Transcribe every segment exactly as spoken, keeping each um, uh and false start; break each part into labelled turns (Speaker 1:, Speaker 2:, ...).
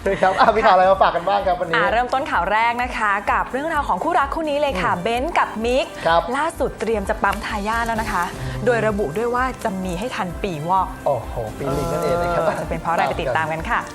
Speaker 1: ครับมีข่าวอะไรมาฝากกันบ้างครับวันนี้
Speaker 2: เริ่มต้นข่าวแรกนะคะกับเรื่องราวของคู่รักคู่นี้เลยค่ะเบนซ์กับมิกล่าสุดเตรียมจะปั๊มทายาทแล้วนะคะโดยระบุด้วยว่าจะมีให้ทันปีวอก
Speaker 1: โอ้โหปีลิงนั่นเองนะครับ
Speaker 2: จะเป็นเพราะอะไรไปติดตามกันค่ะ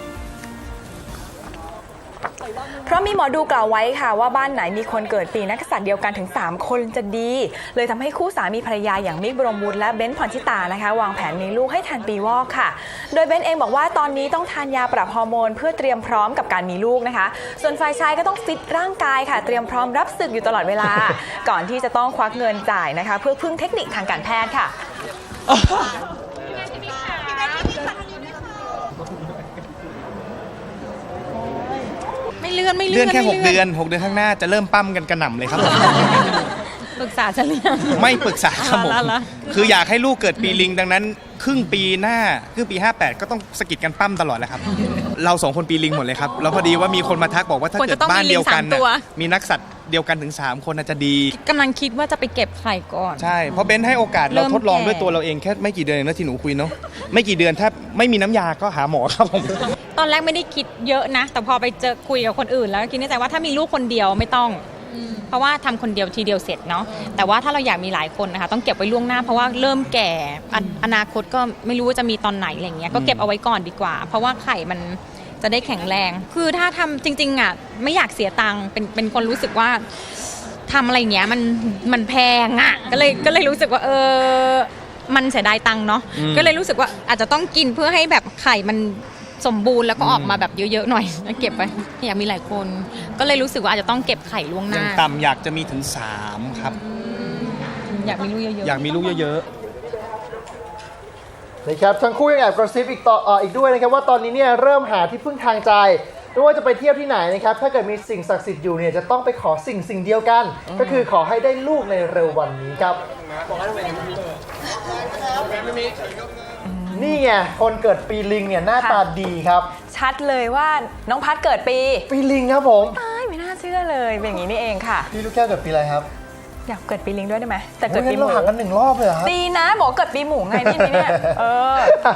Speaker 2: เพราะมีหมอดูกล่าวไว้ค่ะว่าบ้านไหนมีคนเกิดปีนักษัตริย์เดียวกันถึงสามคนจะดีเลยทำให้คู่สามีภรรยาอย่างมิกบรมวุฒิและเบนซ์พรชิตานะคะวางแผนมีลูกให้ทันปีวอกค่ะโดยเบนซ์เองบอกว่าตอนนี้ต้องทานยาปรับฮอร์โมนเพื่อเตรียมพร้อมกับการมีลูกนะคะส่วนฝ่ายชายก็ต้องฟิตร่างกายค่ะเตรียมพร้อมรับศึกอยู่ตลอดเวลา ก่อนที่จะต้องควักเงินจ่ายนะคะเพื่อพึ่งเทคนิคทางการแพทย์ค่ะ
Speaker 3: ไม่เลื่อนไม่เลื่
Speaker 4: เลื่
Speaker 3: อ
Speaker 4: อน นแค่หกเดือนหกเดือนข้างหน้าจะเริ่มปั้มกันกระหน่ำเลยครับผม
Speaker 3: ปรึกษาฉันหรือยัง
Speaker 4: ไม่ปรึกษาครับผม
Speaker 3: อ๋อแล้ว
Speaker 4: คืออยากให้ลูกเกิดปีลิงดังนั้นครึ่งปีหน้าครึ่งปีห้าแปดก็ต้องสะกิดกันปั้มตลอดแหละครับ เราสองคนปีลิงหมดเลยครับแล้วพอดีว่ามีคนมาทักบอกว่าถ้าเกิดบ้านเดียวกันน่ะมีนักสัตว์เดียวกันถึงสามคนน่าจะดี
Speaker 3: กำลังคิดว่าจะไปเก็บไข่ก่อน
Speaker 4: ใช่เพราะเบนให้โอกาสเราทดลองด้วยตัวเราเองแค่ไม่กี่เดือนเองนะที่หนูคุยเนาะไม่กี่เดือนถ้าไม่มีน้ำยาก็หาหมอครับผม
Speaker 3: ตอนแรกไม่ได้คิดเยอะนะแต่พอไปเจอคุยกับคนอื่นแล้วคิดในใจว่าถ้ามีลูกคนเดียวไม่ต้องเพราะว่าทำคนเดียวทีเดียวเสร็จเนาะแต่ว่าถ้าเราอยากมีหลายคนนะคะต้องเก็บไว้ล่วงหน้าเพราะว่าเริ่มแก่อนาคตก็ไม่รู้ว่าจะมีตอนไหนอะไรเงี้ยก็เก็บเอาไว้ก่อนดีกว่าเพราะว่าไข่มันจะได้แข็งแรงคือถ้าทำจริงๆอ่ะไม่อยากเสียตังค์เป็นเป็นคนรู้สึกว่าทำอะไรเงี้ยมันมันแพงอ่ะก็เลยก็เลยรู้สึกว่าเออมันเสียดายตังค์เนาะก็เลยรู้สึกว่าอาจจะต้องกินเพื่อให้แบบไข่มันสมบูรณ์แล้วก็ออกมาแบบเยอะๆหน่อยแล้วเก็บไปอยากมีหลายคนก็เลยรู้สึกว่าอาจจะต้องเก็บไข่ล่วงห
Speaker 4: อย่า
Speaker 3: น้า
Speaker 4: งต่ำอยากจะมีถึงสามครับ
Speaker 3: อยากมีลูกเยอะๆ
Speaker 4: อยากมีลูกเยอะๆ
Speaker 1: นะครับทั้งคู่ยังแอบกระซิบอีกต่อเอ่ออีกด้วยนะครับว่าตอนนี้เนี่ยเริ่มหาที่พึ่งทางใจไม่ว่าจะไปเที่ยวที่ไหนนะครับถ้าเกิดมีสิ่งศักดิ์สิทธิ์อยู่เนี่ยจะต้องไปขอสิ่งสิ่งเดียวกัน ก็คือขอให้ได้ลูกในเร็ววันนี้ครับนี่ไงคนเกิดปีลิงเนี่ยหน้าตาดีครับ
Speaker 2: ชัดเลยว่าน้องพัดเกิดปี
Speaker 1: ปีลิงครับผม
Speaker 2: ตายไม่น่าเชื่อเลยเป็นอย่างนี้นี่เองค่ะ
Speaker 1: พี่ลูกแก้วเกิดปีอะไรครับ
Speaker 2: อยากเกิดปีลิงด้วยได้ไหมแต่เกิดปีห
Speaker 1: เรา
Speaker 2: มู
Speaker 1: ห่างกันหนึ่งรอบเลยเหรอครับ
Speaker 2: ดีนะบอกเกิดปีหมูไงนี่เนี่ยเออ